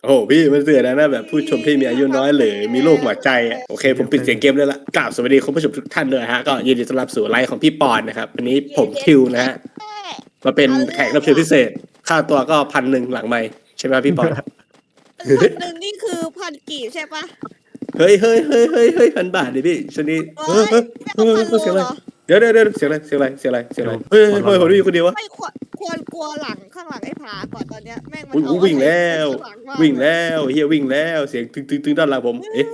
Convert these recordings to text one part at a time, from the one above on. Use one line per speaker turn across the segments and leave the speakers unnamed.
โอ้โหพี่มันเสือนะแบบผู้ชมที่มีอายุน้อยหรือมีโรคหัวใจอ่ะโอเคผมปิดเสียงเกมเลยละกราบสวัสดีคุณผู้ชมทุกท่านด้วยฮะก็ยินดีต้อนรับสู่ไลฟ์ของพี่ปอนนะครับวันนี้ผมทิวนะฮะมาเป็นแขกรับเชิญพิเศษค่าตัวก็1,100หลังไมค์ใช่ไหมพี่ปอน
1,000นี่คือ1,000 กีบใช่ปะ
เฮ้ย1,000 บาทดิพี่ช่วงนี้
เฮ้ยไม่เอา1,000 โล
เสียงอะไร
เหรอ
เดี๋ยวเสียงอะไรเฮ้ยผมได้ยินคนเดียววะ
ไม่ควรกลัวหลังข้างหลังไอ้ผาก่อนตอนเนี้ยแม่งมัน
อุ้ย
เอา
วิ่งแล้ว
ข้างหลังมา
วิ่งแล้วเฮียวิ่งแล้วเสียงตึงด้านหลังผมเอ๊ะ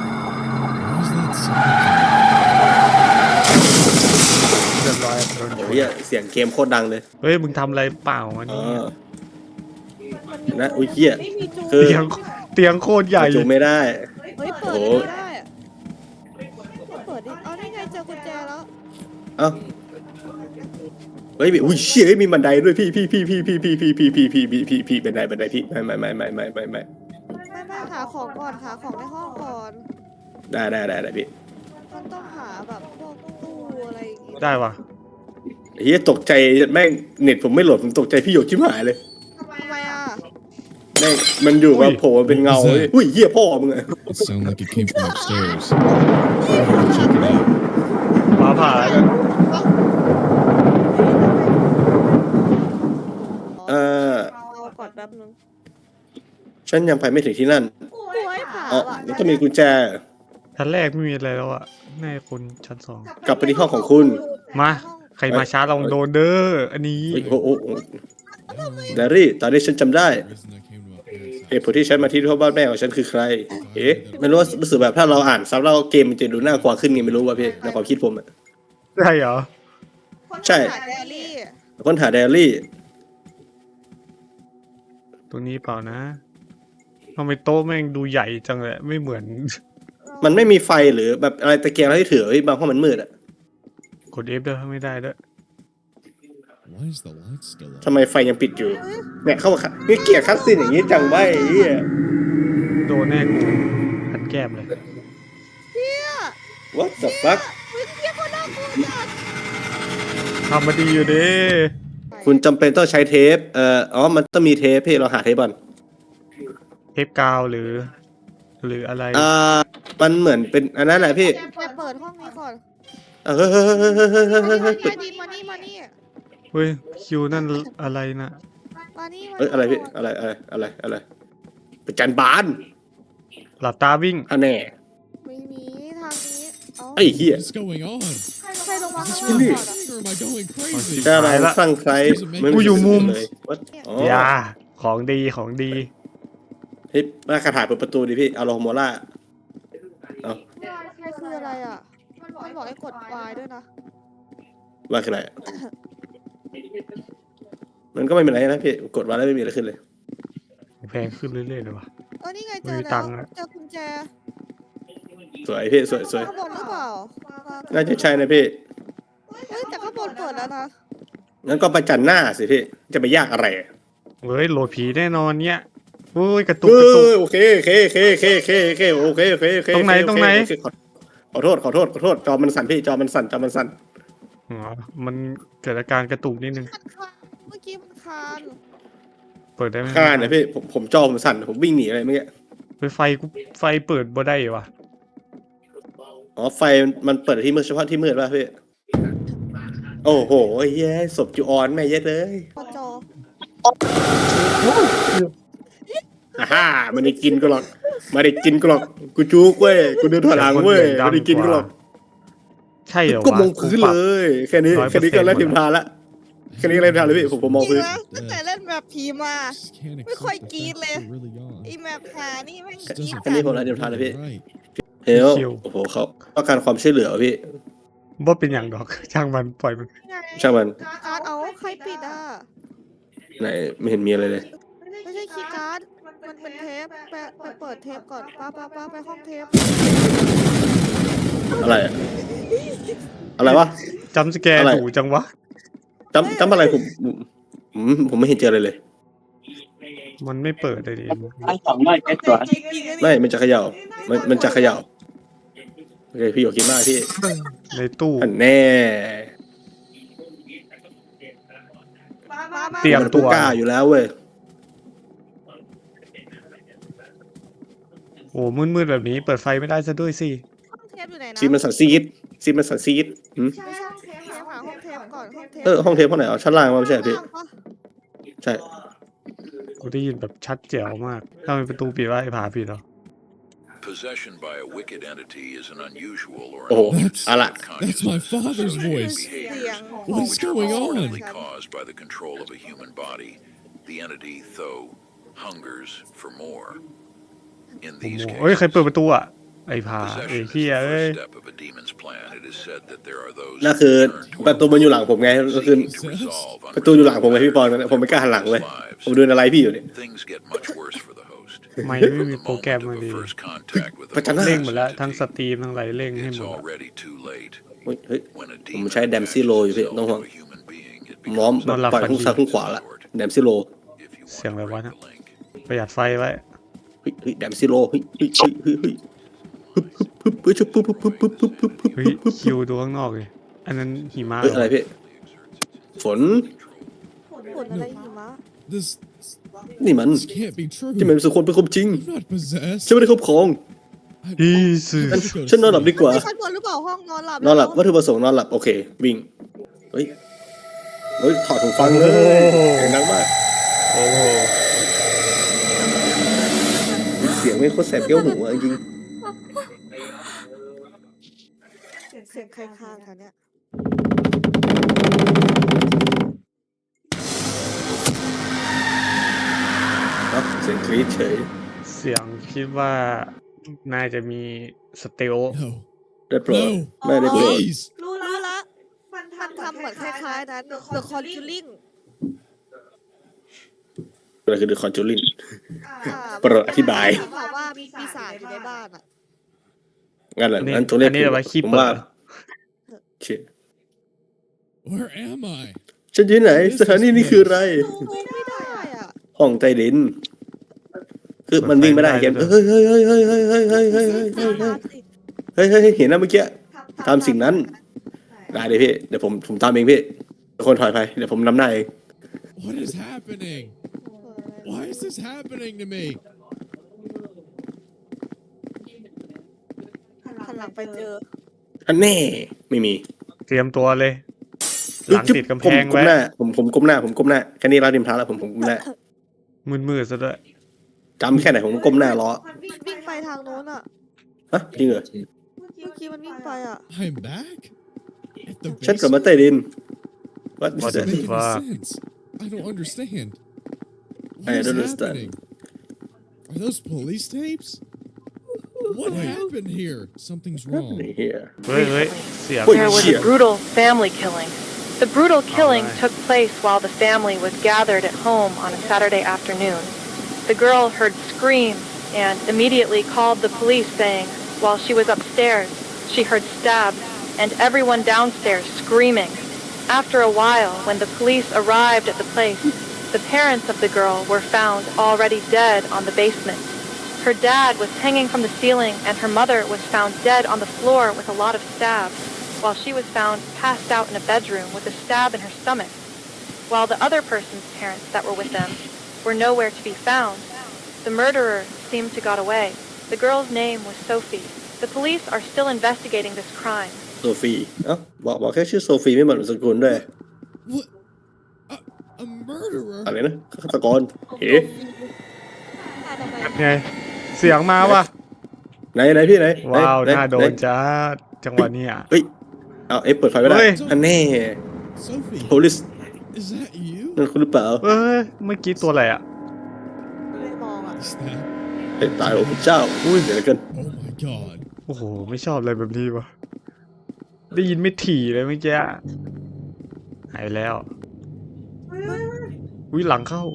เรียบร้อยโดน
โอ้เฮียเสียงเกมโคตรดังเลย
เฮ้ยมึงทำอะไรเปล่าวัน
อ๋
นี้
อนะอุ้ยเฮีย
ไม่มีจู
คือ
เตียงโคตรใหญ่
จูไม่ได้
เฮ้ยเปิด
โอ้
ไม่ได้อะเปิดดิเอานี่ไงเจอกุญแจแล้ว
เอ้าเฮ้ยอุ้ยเชี่ยมีบันไดด้วยพี่บันไดพี่ไม่
ไม่หาของก่อนหาของในห้องก่อน
ได้พี่
มันต้องหาแบบพวกตู้อะไรอย่างงี้
ได้ปะ
เฮียตกใจแม่งเน็ตผมไม่โหลดผมตกใจพี่หยกชิบหายเลย
ทำไมอ่ะ
แม่งมันอยู่มาโผล่เป็นเงาอุ้ยเฮียพ่อมึงอะ
It sounded like it came from upstairs. Check it out.
ฟ้าผ่าแล้ว
เอาก่อนแป๊บนึง
ฉันยังไปไม่ถึงที่นั่น
กลัวไอ้ผา
อ๋อ
อ่ะ
มันต้องมีกุญแจ
ชั้นแรกไม่มีอะไรแล้วอะแน่คนชั้นสอง
กลับไปที่ห้องของคุณ
มาใครมาช้าลองโดนเด้ออันนี้
โอ้โหเดรี่ตอนนี้ฉันจำได้
The reason I came to my parents'
เหตุผลที่ฉันมาที่ห้องบ้านแม่ของฉันคือใคร เอ๊ะไม่รู้ว่ารู้สึกแบบถ้าเราอ่านซ้ำแล้วเกมมันจะดูน่ากลัวขึ้นไงไม่รู้ว่ะพี่ในความคิดผมอะ
ใช่เหรอ
ใช่
หาแดรี่
ค้นหาไดอารี่
ตัวนี้เปล่านะทำไมโต๊ะแม่งดูใหญ่จังเลยไม่เหมือน
มันไม่มีไฟหรือแบบอะไรตะเกียงอะไรที่ถือไว้บางห้องมันมืดอะ
กด F ด้วยไม่ได้ด้วย
Why is the light still on?
ทำไมไฟยังปิดอยู่เนี่ยเข้ามานี่เกลียดคัสซีนอย่างนี้จังไว้ไอ้เหี้ย
โดนแน่กูหันแก้มเลย
what the fuck
วิ่งเรียกว่าน่ากลัวจัด
ทำมาดีอยู่เด้
คุณจำเป็นต้องใช้เทปมันต้องมีเทปพี่เราหาเทปก่อน
เทปกาวหรืออะไร
มันเหมือนเป็นอันนั้นแหละพี่
ไปเปิดห้องนี้ก่อน
เฮ้ย
ใต้ดินมานี่
เฮ้ยคิวนั่นอะไรนะ
มานี่
เอ้ยอะไรพี่อะไรประจันบาน
หลับตาวิ่ง
อันแน่
ไม่มีทางนี้เอา
ไอ้เหี้ย
What is going on?
ใครลงมา
Is
ข้าง
this
ล่าง
real?
ก่อนอะ
Or am I going crazy?
ถ้าเราสร้างใคร
กูอยู่มุม
เลยอ๋อ
อย่าของดี
เฮ้ยมาคาถาเปิดประตูดิพี่เอาโลโมล่าเอา
มันคืออะไรอ่ะ มันบอกให้กด Y ด้วยนะ
ว่าคืออะไรมันก็ไม่เป็นไรนะพี่กดมาแล้วไม่มีอะไรขึ้นเลย
แพงขึ้นเรื่อยๆเลยวะ
นี่ไงเจ
ไม่
อ
มี
แล้
ตั
ว
งค์อะ
เจอกุญแจ
สวยพี่สวย
ข้างบนหรือเปล่า
น่าจะใช่นะพี่
เฮ้ยแต่ข้างบนเปิดแล้วนะ
งั้นก็ประจันหน้าสิพี่จะไปยากอะไร
เฮ้ยโหลดผีแน่นอนเนี่ยโอ้ยกระตุ
เอก
ระตุก
อโอเคโอเค
ตรงไหน
ขอโทษจอมันสั่นพี่จอมันสั่น
อ๋อมันเกิดอาการกระตุกนิดนึง
มันคานเมื่อกี้มันคาน
เปิดได้ไหม
ข้าเนี่ยพี่ผมจอผมสั่นผมวิ่งหนีอะไรเมื่อกี้
ไฟเปิดบ่ได้วะ
อ๋อไฟมันเปิดที่มืดเฉพาะที่มืดป่ะพี่โอ้โหเย้ศพจูออนแม่เย็ดเลย
พอจอ
ฮ่ามันได้กินก็หรอกกูจุกเว้ยกูเดินถอยหลังเว้ยไม่ได้กินก็หรอก
ใช่เหรอวะ
ก็มองพื้นเลยแค่นี้ก็เล่นทิมทานละแค่นี้ก็เล่นทิมทานเลยพี่ผมมอง
จริ
พื้
ง
น
นะตั้งแต่เล่นแบบผีมา
Just can't
ไม่
accept
ค่อย
the
กรี๊ด
fact
เลย
that we're really on.
ไอแมปหานี่แม่ง
Just
กรี๊ด
doesn't
อันนี้ผม
feel
เล่นทิมทานเลยพี่
right.
เฮ้ยโอ้โหเขาต้องการความช่วยเหลือพี่
บ่เป็นอย่างดอก ช่างมันปล่อยมัน
ช่างมัน
การ์ดเอาใครปิดอ่ะ
ไหนไม่เห็นมีอะไรเลย
ไม่ใช่คีย์การ์ดมันเป็นเทปไปเปิดเทปก่อนป้าไปห้องเทป
อะไรอะอะไรวะ
จำสแกร์
อะไร
ถูจังวะ
จำอะไรผมไม่เห็นเจออะไรเลย
มันไม่เปิดเลยดิ
ไม่มันจะเขย่ามันจะเขย่าโอเคพี่อยากกินมากพี่
ในตู้
อันแน่
เตรียม
มัน
ตัว
กล้าอยู่แล้วเว้ย
โอ้มืดๆแบบนี้เปิดไฟไม่ได้ซะด้วยสิ
ห้องเทปอยู่ไหนนะ
ซีมันสันซีดซีมันสันซีดหืม
ไม่ใช่ห้องเทปหาห้องเทปก่อนห้องเทป
ห้องเทปห้องไหนอ๋อชั้นล่างมาไม่ใช่เหรอพี่
ข้างล่างปะ
ใช่
กูได้ยินแบบชัดแจ๋วมากถ้ามันประตูปิดว่าไอ้ผาปิดเหรอ
Possession by a wicked entity is an unusual or
โอ้โห
an
เอาละ
That's my father's voice.
เสียง
What is going on?
frequently caused by the control of a human body. The entity, though, hungers for more. In
โอ้
these
โหเฮ้ย ใคร
cases,
เปิดประตูอ่ะ ไอ้ผาไอ้
possession is
เฮีย
the
เอ้ย
first step of a demon's plan. It is said that there are those
นั่นคือ
who turn
ประตู
toward
มันอยู่หลังผมไงก็คือ
seeking to resolve
ประตูอยู่หลังผมไงพี่ปอนผมไม่กล้าหันหลังเลยผมดูอะไรพี่อยู่เนี่ย
Things get much worse for the host.
ไม่
From
ไม่มี
the
โปรแกรม
moment
มา
of
ดี
a first contact with
ประจันหน้า
เร่ง
a
หมดแล้ว
malicious
ทั้งส
entity,
ตรีมทั้งอะไรเร่งให้ห
it's
มด
already too late.
เฮ้ย
When a
ผม
demon
ใช้แดมซี่โล
attaches
อยู่พี่
itself
ต้องห่วง
to a human being, it
พร้อม
becomes
นอนหลับ
ปล่อย
ฝัน
ทุ่ง
ดี
ซ้ายทุ่งขวาละแดมซี่โล
if you
เสียง
want
อะไร
to
วะ
break
นะ
the link.
ประหยัดไฟไว้
เฮ้ยแดมซี่โลเฮ้ยเฮ้ยเฮ้ยเฮ้ยเฮ้ยปึ๊บปึ๊บปึ๊บปึ๊บปึ๊บปึ๊บปึ๊บปึ๊บปึ๊บปึ๊บ
เฮ้ย
ปึ๊บ
คิวดูข้างนอกเลยอันนั้นหิมะ
เฮ้ยอะไรพี่ฝน
ฝนอะไรหิมะ
This
นี่มัน
this can't be true.
ที่มันเป็นสุคนเป็นความจริง
I'm not possessed.
ฉันไม่ได้ครอบครอง
อี
I
สือ
have to go to
ฉันนอนหลับ
sleep.
ดีกว่า
ไม่ชั้นบนหรือเปล่าห้องนอนหลับ
นอนหลับวัตถุประสงค์นอนหลับโอเควิ่งเฮ้ยเฮ้ยถอดหูฟังเลยเสียงดังมาก
โอ้โห
เสียงไม่โคตรแสบเกี้ยวหูอะจริง
เสียงใครค้างคะเนี่ย
เนาะเสียงกรี๊ดเฉย
เสียงคิดว่าน่าจะมีสเตล
No.
ได้โปรด
No.
ไม่ได้โปรด
Please.
รู้ละมันทำเหมือนคล้ายๆนั้น The Conjuring
อะไรคือ The Conjuring
อ่า
โปรดอธิบาย
บอกว่ามีปีศาจอยู่ในบ้านอ่ะ
งั้นเหรอ
อันนี้
งั้นตัวเลข
อันนี้เอาไว้ขี้
ผม
เปิด
ว่า
เหรอ
เชี่ย
Where am I?
ฉันอยู่ไหนสถานีนี้คืออะไร
ไม่ได้อ่ะ
ห้องใต้ดิน คือมันวิ่งไม่ได้เกมเฮ้ยเฮ้ยเฮ้ยเฮ้ยเฮ้ยเฮ้ยเฮ้ยเฮ้ยเฮ้ยเฮ้ยเฮ้ยเฮ้ยเฮ้ยเห็นนะเมื่อกี้ตามสิ่งนั้นได้เลยพี่เดี๋ยวผมตามเองพี่ทุกคนถอยไปเดี๋ยวผมนำหน้าเอง
What is happening? Why is this happening to me?
หันหลังไปเจอ
อันแน่ไม่มี
เตรียมตัวเลย หลังติดกำแพง
ผมก้
ไว้
มหน้าผมก้มหน้าผมก้มหน้าแค่นี้เราดิมท้าแล้วผมก้มหน้า
มืดๆซะด้วย
จำแค่ไหนผมก้มหน้ารอ
วิ่งไปทางโน้นอ่ะ
ฮะจริงเหรอ
เมื่อกี้มันวิ่งไปอ่ะ
I'm back? At the
ฉันกลับมา
basement?
ใต้ดิน What
What
is
the
that?
Doesn't make
fuck?
any sense. I don't understand.
I
What is
don't understand.
happening? Are those police tapes? What happened here? Something's wrong.
นี่เฮีย
เฮ้ยเฮ้ยเสียง
Wait,
There was
shit.
a brutal family killing. The brutal killing
Alright.
took place while the family was gathered at home on a Saturday afternoon. The girl heard screams and immediately called the police saying, while she was upstairs, she heard stabs and everyone downstairs screaming. After a while, when the police arrived at the place, the parents of the girl were found already dead on the basement. Her dad was hanging from the ceiling and her mother was found dead on the floor with a lot of stabs, while she was found passed out in a bedroom with a stab in her stomach. While the other person's parents that were with them were nowhere to be found, the murderer seemed to got away. The girl's name was Sophie. The police are still investigating this crime.
โซฟีเอ้าบอกแค่ชื่อโซฟีไม่เหมือนนามสกุลด้วย
What? A murderer?
อะไรนะฆาตกรเฮ้
ไง เสียงมาว่ะ
ไหนพี่ไหน
ว้าว
ไห
น่าโด
ไห
นจ้าจังหวะเนี้ย
เฮ้ยเอาเปิดไฟไม่ได้
เฮ้ย
อันแน่
Sophie,
police
is that you?
นั่นคุณหรือเปล่า
เอ้ย เมื่อกี้ตัวอะไรอ่ะ
ไม่มองอ่ะ
Is that?
เฮ้ยตายโอ้พระเจ้าอุ้ยเดี๋ยวกัน
Oh my god.
โอ้โห ไม่ชอบอะไรแบบนี้วะได้ยินไม่ถี่เลยเมื่อกี้หายแล้วอุ้ยหลังเข้า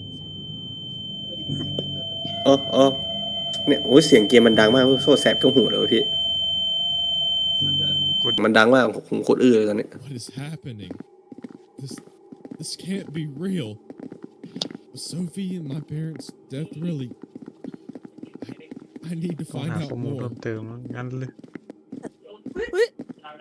อ๋อเนี่ยโอ้ยเสียงเกมมันดังมากโซ่แสบก็หูเลยวะพี่มันดังมากผมโคตรอื้อเลยตอนนี้
What is happening? This can't be real. Was Sophie and my parents' death really? I need to
ต้อง
find
หา
out
ข้อมูล
more.
เพิ่มเติมแล้วงั้นเลย
เฮ้ย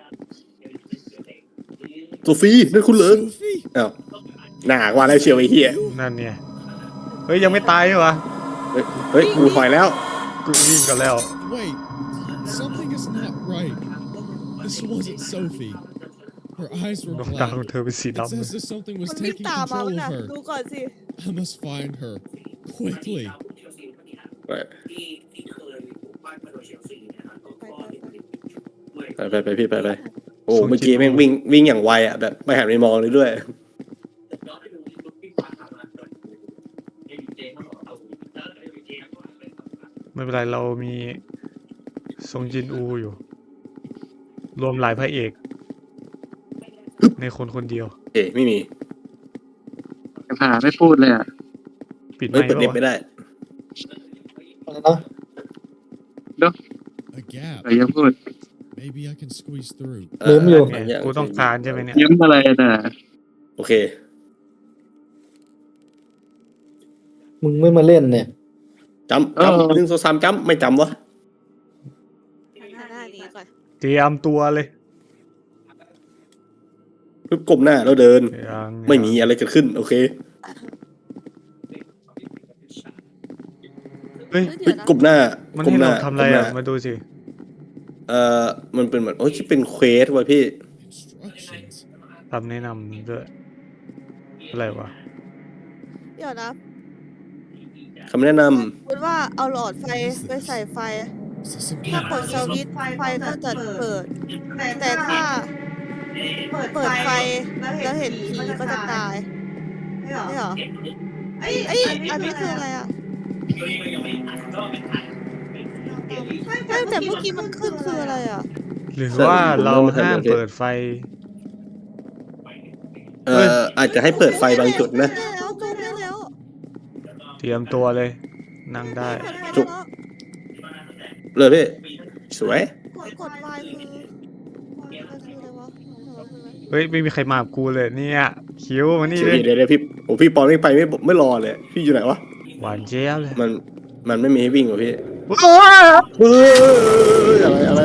โซฟีนั่นคุณเหรอ
Sophie?
อ้าวหนาว่าแล้วเชียวไอ้เหี้ย
นั่นเนี่ย เฮ้ย ยังไม่ตายเหรอวะ
เฮ้ยกูถอยแล้ว
กูวิ่งกันแล้ว
Wait, something is not right. This wasn't Sophie. Her eyes were
ดวงตา
black.
ของเธอเป็นสี
It's
ดำ
as if something
มั
was
นวิ่ง
taking
ตามมา
control
มัน
of
น่ะ
her.
ดูก่อนสิ
I must find her quickly.
ไปพี่ไปโอ้เมื่อกี้แม่งวิ่งอย่างไวอ่ะแบบไม่หันไปมองเลยด้วย
ไม่เป็นไรเรามีซงจินอูอยู่ รวมหลายพระเอก ในคนคนเดียว
เอ๊ะไม่มี
ผ่าไม่พูดเลยอ่ะ
ปิดไม
เฮ้ย
ค์
เปิดเน็ต
ปะ
ไม่
วะ
ได้
A gap.
อะไรยังพูด
Maybe I can squeeze through.
ลืมอยู่
เนี่ยกูต้องการใช่ไหมเนี่ย
ยิ้มอะไรน่ะ
โอเค
มึงไม่มาเล่นเนี่ย
จำ1 2 3จำไม่จำวะ
หน้านี้ก่อน
เตรียมตัวเลย
ปึ๊บก้มหน้าแล้วเดิน
ยัง
ไม่มีอะไรเกิดขึ้นโอเค
เฮ้ย
เดี๋ยวนะ
ก้มหน้า
มัน
ก้ม
ให้
หน้า
เราทำอะไร
ก้มหน้
อ่ะ มาดูสิ
มันเป็นเหมือนที่เป็นเควสว่ะพี่
Instructions.
คำแนะนำด้วย อะไรวะ
เดี๋ยวนะ
คำแนะน
คุณว่าเอาหลอดไฟไปใส่ไฟ
Is this some
ถ้า
kind
เปิด
of
สวิตช์ไฟก็จะเปิด แต่ถ้าเปิดไฟแล้วเห็นผีก็จะตายไม่เหรอเอ้ยอันนี้คืออะไรอ่ะไม่แต่เมื่อกี้มันขึ้นคืออะไรอ่ะ
หรือว่าเราห้ามเปิดไฟ
ำอาจจะให้เปิดไฟบางจุดนะ
ได้แล้วจุดได้แล้ว
เตรียมตัวเลย นั่งได้
เปิดไฟ
จุ
ได้
ก เลยพี่สวย
กดไฟคืออะไรวะ
เฮ้ย ไม่มีใครมากับกูเลยเนี่ย คิวมานี่
เดี๋
เลย
ยวพี่โอ้พี่ปอนไม่ไปไม่รอเลยพี่อยู่ไหนวะ
หวานเจี๊ยบเลย
มันไม่มีให้วิ่งหรอพี่
ว้าว
เฮ้ย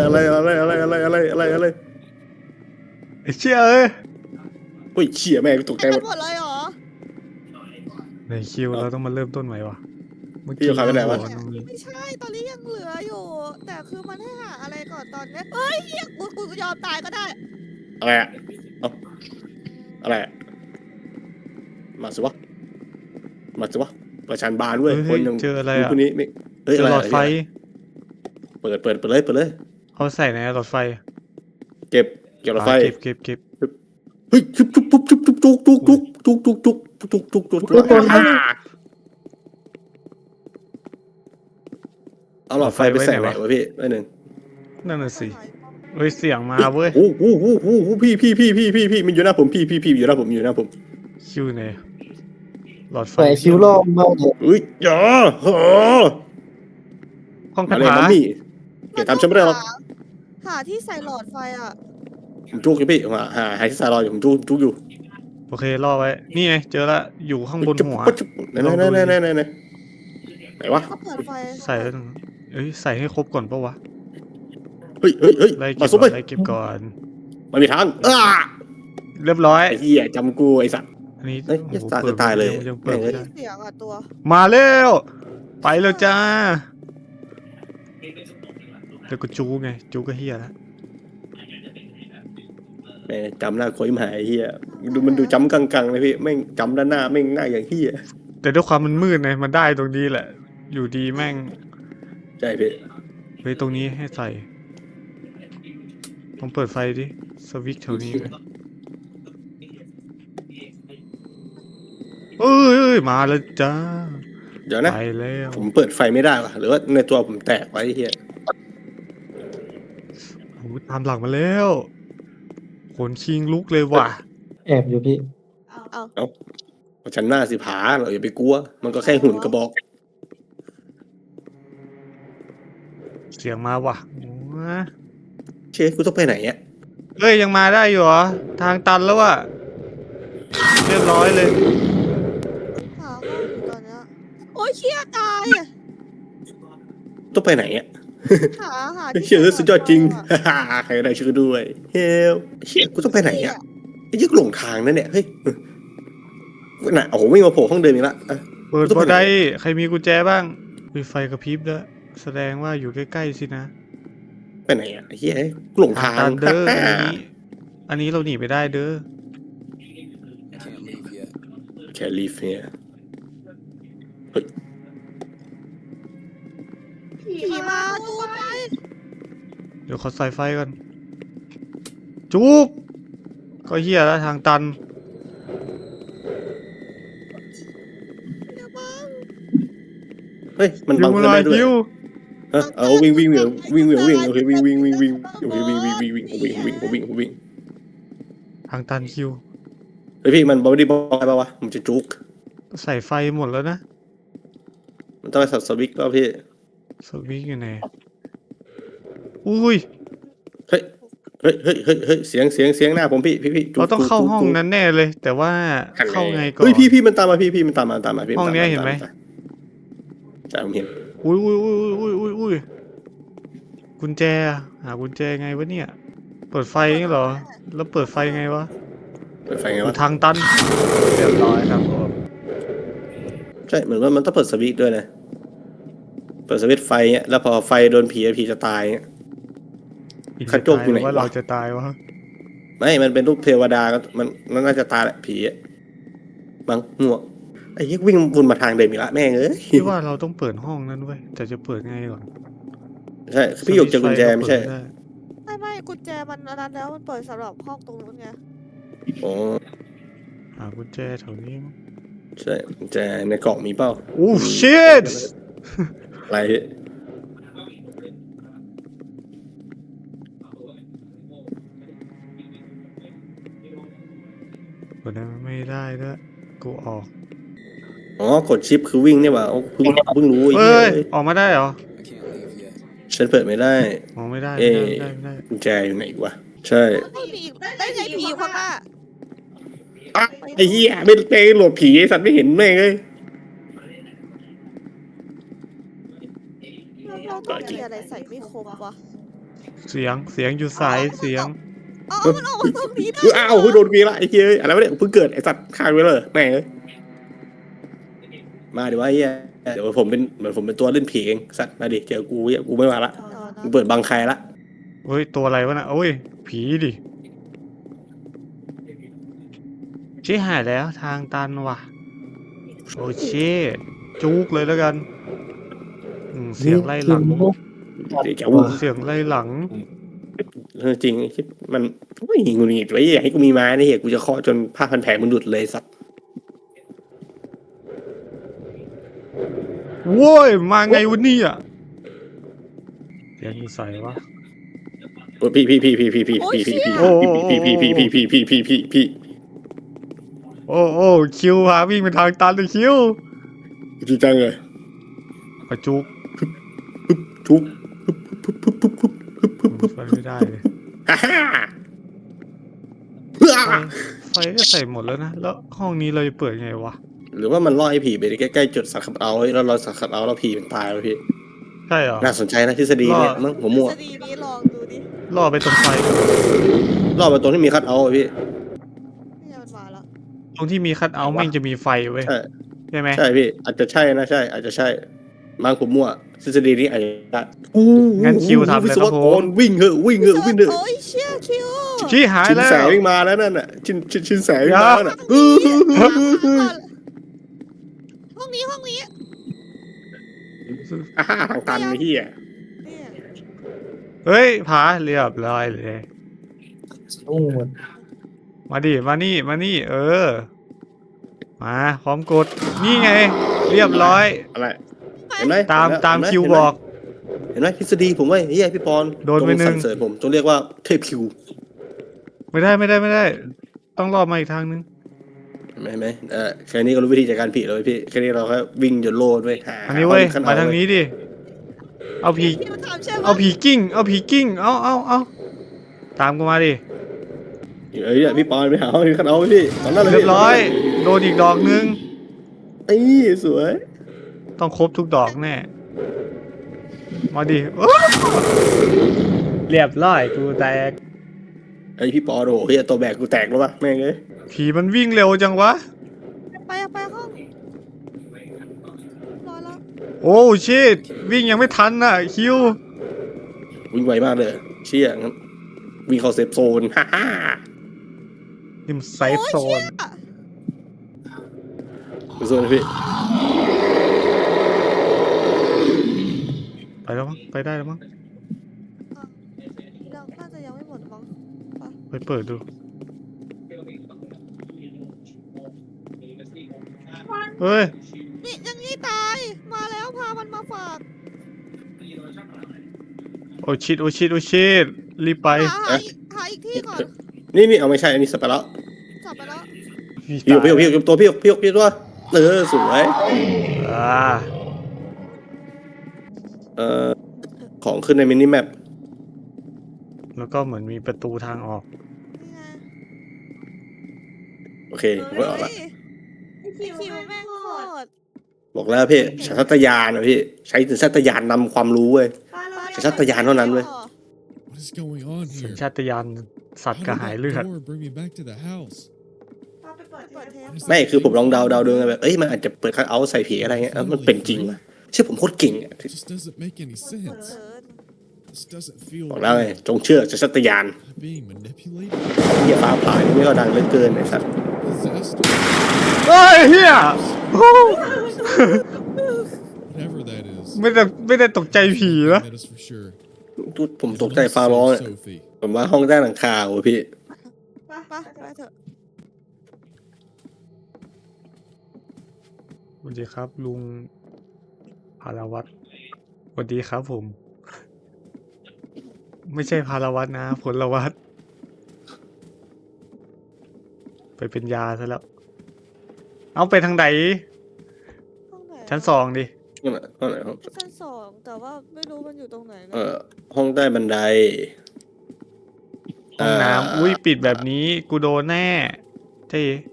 อะไร
ไอ้เชี่ยเอ้ย
เฮ้ยเชี่ยแม่งตกใจ
เต็ม
หม
ไป
ด
หมดเลยเหรอ
ในคิวเราต้องมาเริ่มต้นใหม่วะเมื่อ
พี่อยู่ใครไปไหนวะ
ตรงนี้
ไม่ใช่ ตอนนี้ยังเหลืออยู่ แต่คือมันให้หาอะไรก่อนตอนเนี้ยเฮ้ยเฮียกูยอมตายก็ได้
อะไรอะอะไรอะมาสิวะประชันบานเว้ย
เฮ้
คน
ย
ยัง
เจออะไร
ดู
อ่ะ
คนนี้ไม่เฮ้ย
เจ
อะ
อ
ไร
หลอดไฟ
เปิดเลย
เขาใส่ในหลอดไฟ
เก็บหลอดไฟ
เก็บ
เฮ้ยจุ๊บเอาหลอดไฟไปใส่ไหนวะพี่ไว้หนึ่ง
นั่นน่ะสิเฮ้ยเสียงมาเว้ย
โอ้พี่มันอยู่หน้าผมพี่อยู่หน้าผม
คิวไหนหลอดไฟ
ใส่คิวรอบมากเลย
เฮ้ยอย่าเหรอ
ห้อง
มา
คา
เลย
ถา
มัมมี่เดี๋ยวทำฉันไม่ได้หรอก
หาที่ใส่หลอดไฟอ่ะ
ผมจุกอยู่พี่หาที่ซารออยู่ผมจุกอยู่
โอเครอไว้ นี่ไงเจอละอยู่ข้างบนหัว
ไหนวะ
ก็เปิดไฟ
ใส่แล้วเอ้ยใส่ให้ครบก่อนปะวะ
เฮ้ย
ไล่เก็
มา
บ
ซุป
ก่
ไป
อนไล่เก็บก่อน
มันมีทาง
เรียบร้อย
ไอ้เหี้ยจำกูไอ้สัตว์
อันนี้
เอ้ย
โอ้โห
จะ
เปิด
ตายเลย
ยังเปิดไม่ได้
เสียงอ่ะตัว
มาเร็วไปแล้วจ้าเดี๋ยวกูจูไงจูก็เฮียแล้ว
แม่จำหน้าโคยหายเหี้ยมันดูจำกังเลยพี่แม่งจำด้านหน้าแม่งหน้าอย่างเหี้ย
แต่ด้วยความมันมืดไงมันได้ตรงนี้แหละ อยู่ดีแม่ง
ใช่พี่
เฮ้ยตรงนี้ให้ใส่ต้องเปิดไฟดิสวิตช์แถวนี้ไหมเอ้ยมาแล้วจ้า
เดี๋ยวนะ
ไปแล้ว
ผมเปิดไฟไม่ได้วะหรือว่าในตัวผมแตกไว้เหี้ย
โอ้โหตามหลังมาแล้วขนคิงลุกเลยว่ะ
แอบอยู่พี่
ฉันหน้าสิผาเราอย่าไปกลัว มันก็แค่หุ่นกระบอก
เสียงมาว่ะว้า
เชฟกูต้องไปไหนอ่ะ
เอ้ยยังมาได้อยู่เหรอทางตันแล้วอ่ะเรียบร้อยเลย
หาห้องอยู่ตอนเนี้ยโอ้ยเชี่ยตายอ่ะ
ต้องไปไหนอ่ะ
หาที่
เชื่อสุดยอดจริง
ใส่หลอดไฟอะ
ใครได้ชื่อด้วยเฮลเชี่ยกูต้องไปไหนอ่ะไอ้ยึกหลงทางนั่นเนี่ยเฮ้ยน่ะโอ้โหวิ่งมาโผล่ห้องเดิมอีกละ
เปิดบ่ได้ใครมีกุญแจบ้างมีไฟกระพริบด้วยแสดงว่าอยู่ใกล้ๆสินะ
ไปไหนอ่ะไอ้เหี้ยหลงทาง
ตันเด้ออันนี้เราหนีไปได้เด้อ
แคลิฟเนี่ย
ผีมาดูไป
เดี๋ยวขอใส่ไฟก่อนจุกก็เหี้ยแล้วทางตัน
เฮ้ยมันบัง
ยิ
เพื่อนได้ด้วย
คิว
เออเอาวิ่งวิ่งวิ่งวิ่งวิ่งวิ่งโอเควิ่งวิ่งวิ่งวิ่งโอเควิ่งวิ่งวิ่งวิ่งวิ่งวิ่งวิ่งวิ่ง
ทางตันคิว
เฮ้ยพี่มันไม่ได้บอยป่าวะมันจะจุก
ใส่ไฟหมดแล้วนะ
มันต้องไปสับสวิกป่ะพี่
สวิกอยู่ไหนอุ้ย
เฮ้ยเฮ้ยเฮ้ยเฮ้ยเฮ้ยเสียงหน้าผมพี่จุก
เราต้องเข้าห้องนั้นแน่เลย แต่ว่าเข้าไงก่อน
เฮ้ยพี่มันตามมาพี่มันตามมาพี่
ห้องเนี้ยเห็นไหม
ใช่ผมเห็น
อุ้ยกุญแจหากุญแจไงวะเนี่ย เปิดไฟนี่เหรอ แล้วเปิดไฟไงวะ
เปิดไฟไง
อยู่
วะ
ทางตันเรียบร้อยครับผม
ใช่เหมือนว่ามันต้องเปิดสวิตช์ด้วยนะเปิดสวิตช์ไฟเนี้ยแล้วพอไฟโดนผีผีจะตายเงี้ย กระจกอยู่ไหนวะ
ว่าเราจะตายวะ
ไม่มันเป็นรูปเทวดาก็มันน่าจะตายแหละผีอะบังหัวไอ้เหี้ยวิ่งวนมาทางเดิมอีกละแม่งเอ้ย
คิดว่าเราต้องเปิดห้องนั้นเว้ยแต่จะเปิดไงก่อน
ใช่พี่หยกเจอกุญแจไม่ใช่
ไม่กุญแจมันอันนั้นแล้วมันเปิดสำหรับห้องตรงนู้นไง
อ๋อ
หากุญแจแถวนี้มั้ง
ใช่กุญแจในกล่องมีเปล่า
โอ้ชิต
อะไร
กดได้ไม่ได้ด้วยกูออก
อ๋อกดชิปคือวิ่งเนี่ยว่ะเพิ่งรู้ไอ้
เฮ้
เหี้
ย
ย
ออกมาได้เหรอ
ฉันเปิดไม่ได้
ออกไม่ได้
เอ๊ะ
ไม่ได้
กุญแจอยู่ไหนวะใช่
ไม่มีได้ไงผีอยู่ข้างหน้า
อ่ะไอ้เหี้ยไม่ไปโหลดผีไอ้สัตว์ไม่เห็นแม่งเลย
เราต้องมีอะไรใส่ไม่ครบวะ
เสียงอยู่สายเสียง
อ๋อมันออกมาตรงนี้ได้
อ้าวเพิ่งโดนผีละไอ้เหี้ยอะไรวะเนี่ยเพิ่งเกิดไอ้สัตว์ฆ่าไปเลยแม่งเลยมาเดี๋ยวไอ้เหี้ยเดี๋ยวผมเป็นตัวเล่นผีเองสัตว์มาดิเจอกูกูไม่มาละกูเปิดบังใครละ
เฮ้ยตัวอะไรวะน่ะโอ้ยผีดิชี้หายแล้วทางตันว่ะโอ้เช่จุกเลยแล้วกันเสียงไล่หลัง
เดี๋ยวจะ
เสียงไล่หลัง
จริงมันไม่งูหงิดไว้อยากให้กูมีไม้นะเหี้ยกูจะเคาะจนผ้าพันแผลมันหลุดเลยสัตว์
โว้ยมาไงวะเนี่ยเสียงอยู่ใส่วะ
โอ้พี่
โอ้คิวพาวิ่งไปทางตันเลยคิว
จริงจังเลย
กระจุก
ทุก
ไฟไม่ได้เลย
ฮ่าฮ่า
ไฟก็ใส่หมดแล้วนะแล้วห้องนี้เราจะเปิดไงวะ
หรือว่ามันล่อให้ผีไปใกล้ๆจุดสัตว์ขับเอาแล้วเราสัตว์ขับเอาแล้วผีมันตายแล้วพี่
ใช่เหรอ
น่าสนใจนะทฤษฎีเนี่ยมั้งผมมั่ว
ทฤษฎีนี้ลองดูดิ
ล่อไปตรงไฟ
ล่อไปตรงที่มีคัทเอาท์พี่
เนี่ยมันมาแล้ว
ตรงที่มีคัทเอาท์แม่งจะมีไฟเว้ย
ใช่
ใช่ไหม
ใช่พี่อาจจะใช่นะใช่อาจจะใช่บางผมมั่วทฤษฎีนี้อาจจะได้
งั้นคิวทำเลยครับผม
วิ่งเหอะวิ่งเหอะ
โอ้ยเชี่ยคิว
ชี้หาย
ชิน
แล้ว
แสวิ่งมาแล้วนั่นน่ะชินแสวิ่งมาแล้วน่ะ
ห้องนี้
อ่าทางตันไอ้เหี้ย
เนี่ย
เฮ้ยผาเรียบร้อยเลย
โอ้หมด
มาดิมานี่เออมาพร้อมกดนี่ไง เรียบร้อย
อะไรเห็นไหม
ตาม
เห็นไห
ตาม
เห็นไห
คิวบอก
เห็นไหมทฤษฎีผมว่าเฮียพี่ปอน
โดนไปหนึ่ง
จสรรเสริญผมจงเรียกว่าเทพคิว
ไม่ได้ ต้องรอบมาอีกทางนึง
เห็นไหมแค่นี้ก็รู้วิธีจัดการผีเลยพี่แค่นี้เราแค่วิ่งจนโลดไว้หา
อันนี้เว้ย
ขั้น
มาทางนี้ดิเอาผี
คิวถามใช่ไหม
เอาผีกิ้งเอาตามกูมาดิ
เอ้ยเนี่ยพี่ปอนไปหาห้องขั้นเอาไว้พี่ตอนนั้นเลย
เรียบร้อยโดนอีกดอกนึง
ไอ้สวย
ต้องครบทุกดอกแน่มาดิเรียบร้อยกูแตก
ไอ้พี่ปอนโอ้โหเฮียตัวแบกกูแตกแล้ววะแม่งเอ้ย
ผีมันวิ่งเร็วจังวะ
ไปห้องรอแล้ว
โอ้โอ้ชิตวิ่งยังไม่ทันน่ะคิว
วิ่งไวมากเลยเชี่ยงั้นวิ่งเข้าเซฟโซนฮ่าฮ่า
นี่มันไซ
โอ้
ฟ์
ย
โซ
เชี่ย
น
ดูโซนนะพี่
ไปแล้วมั้งไปได้แล้วมั้ง
ยังน่าจะยังไม่หมดมั้ง
ไปเปิดดูเฮ้ย
นี่ยังงี้ตาย มาแล้วพามันมาฝาก
โอ้ชิตโอ้ชิตโอ้ชิตรีบไป
หาอีกที่ก่อน
นี่เอาไม่ใช่อันนี้สเปรแล้ว
จับไปแล้ว
พี่ตัวพี่ตัวสวย
อ่า
ของขึ้นในมินิแมป
แล้วก็เหมือนมีประตูทางออก
นี่ไง
โอเคผมก็ออกละ
คิวแม่งโคตร
บอกแล้วพี่สัญชาตญาณนะพี่ใช้สัญชาตญาณนำความรู้เว้ย สัญชาตญาณเท่านั้นเว้ย
What is going on
สัญ
here?
ชาตญาณสัต
How
ว์
did
กระหาย
that
เลือด
door bring me back to the house?
เปิดเทป
ไม่คือผมลองเดาดูไงแบบมันอาจจะเปิดคัทเอาท์ใส่ผีอะไรเงี้ยมันเป็นจริงว่ะเชื่อผมโคตรเก่งอ่ะ
It just doesn't make any
เปิด
sense.
เกิน
This doesn't feel
บอกแล้วไง
right.
จงเชื่อสัญชาตญาณ
Am I being manipulated?
เหี้ยฟ้าผ่านี่ไม่ก็ดังเหลือเกินไอ้สัส
Possessed?
เฮ้ยเฮียโอ้
Whatever that is.
ไม่ได้ตกใจผีนะ
That is for sure.
ผมตกใจฟ้าร้องอ่ะ
Sophie.
ผมว่าห้องใต้หลังคาโอ้พี่
ไปเถอะ
สวัสดีครับลุงพาราวัตรสวัสดีครับผม ไม่ใช่พาราวัตรนะผลวัตรไปเป็นยาซะแล้ว เอาไปทางไหน
ห้องไหน
ชั้นสองดิ
ห้องไหนห้อง
ชั้นสองแต่ว่าไม่รู้มันอยู่ตรงไหนนะ
ห้องใต้บันได
ห้องน้ำอุ้ยปิดแบบนี้กูโดนแน่เท่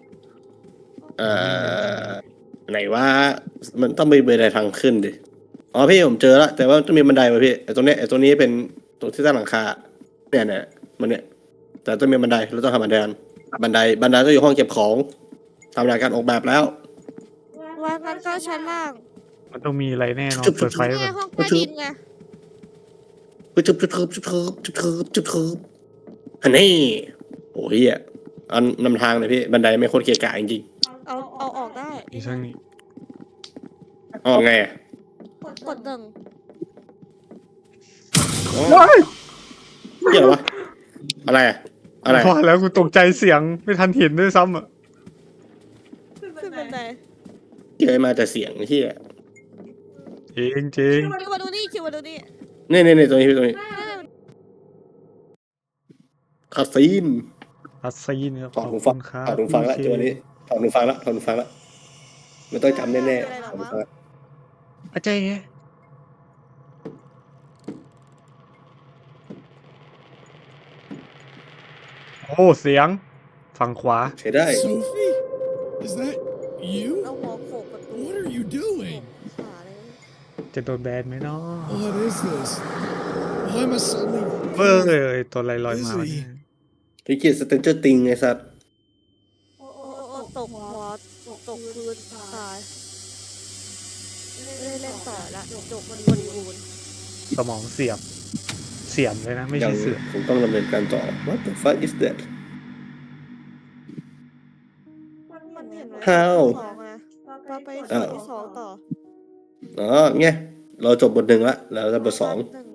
ไหนว่ามันต้องมีบันไดทางขึ้นดิอ๋อพี่ผมเจอแล้วแต่ว่าต้องมีบันไดมาพี่ไอ้ตรงนี้เป็นตรงที่ใต้หลังคาเนี่ยมันเนี่ยแต่ต้องมีบันไดเราต้องทำบันไดบันไดต้องอยู่ห้องเก็บของทำรายการออกแบบแล้ว
ว่างั้นก็ชั้นล่าง
มันต้องมีอะไรแน่นอนเปิดไฟ
นี่
ก่
ไง
อน
ห้องใต้ดินไง
จุดฮันนี่โอ้ยอันนำทางเลยพี่บันไดไม่โคตรเกะกะจริง
เอาออกได้
อีกทางนี้
ๆอ๋อไง
กดหนึ่ง
เหี้ยอะไรวะอะไร
พอแล้วกูตกใจเสียงไม่ทันเห็นด้วยซ้ำอ่ะ
ขึ้นบันได
เจอมาแต่เสียงเหี้ย
จริงจริง
คิวมาดูนี่คิวมาดูนี่
นี่ตรงนี้คาซีน
อัสซีนครับ
ถอดหูฟัง
ครับ
ถอดหูฟังละจังหวะนี้ถอดหูฟังละไม่ต้องจำแน่ๆถอดหูฟังละ
อาจารย์โอ้เสียงฝั่งขวา
ใช้ได้
Sophie? Is that
เอา
you?
หัวโขกประตู
What are you doing?
ขาเลย
จะโดนแบนไหมเนาะ
What is this? Why am I suddenly
เบ้อเลยตัวลอยๆมาวะเนี่ย
พี่เกียรติสเตนเจอร์ติงไงสัตว์
โอ้ตกหัวตกพื้นตายไม่ได้เล่นต่อละจบมันบริบูรณ์
สมองเสียมเลยนะ ไม่
ยั
ใช่
ง
เสือม
ผมต้องดำเนินการต่อ What the fuck is that
มันเห็นไหม
How
สองอะเราไปส่วนที่สองต่อ
อ๋อไงเราจบบทหนึ่งละแล้วจะบทสอง
หนึ่ง